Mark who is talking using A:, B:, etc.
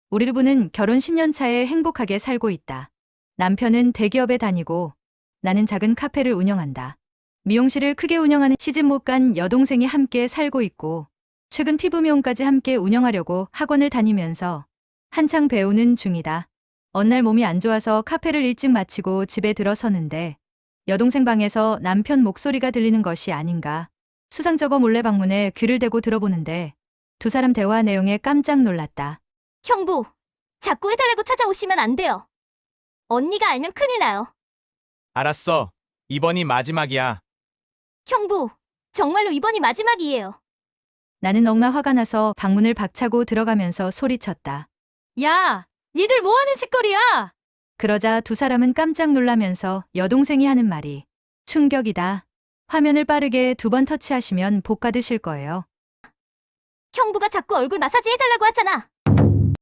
A: 우리 부부는 결혼 10년 차에 행복하게 살고 있다. 남편은 대기업에 다니고 나는 작은 카페를 운영한다. 미용실을 크게 운영하는 시집 못 간 여동생이 함께 살고 있고 최근 피부 미용까지 함께 운영하려고 학원을 다니면서 한창 배우는 중이다. 어느 날 몸이 안 좋아서 카페를 일찍 마치고 집에 들어서는데 여동생 방에서 남편 목소리가 들리는 것이 아닌가. 수상쩍어 몰래 방문에 귀를 대고 들어보는데 두 사람 대화 내용에 깜짝 놀랐다.
B: 형부, 자꾸 해달라고 찾아오시면 안 돼요. 언니가 알면 큰일 나요.
C: 알았어. 이번이 마지막이야.
B: 형부, 정말로 이번이 마지막이에요.
A: 나는 너무나 화가 나서 방문을 박차고 들어가면서 소리쳤다. 야, 니들 뭐하는 짓거리야? 그러자 두 사람은 깜짝 놀라면서 여동생이 하는 말이 충격이다. 화면을 빠르게 2번 터치하시면 복 받으실 거예요.
B: 형부가 자꾸 얼굴 마사지 해달라고 하잖아.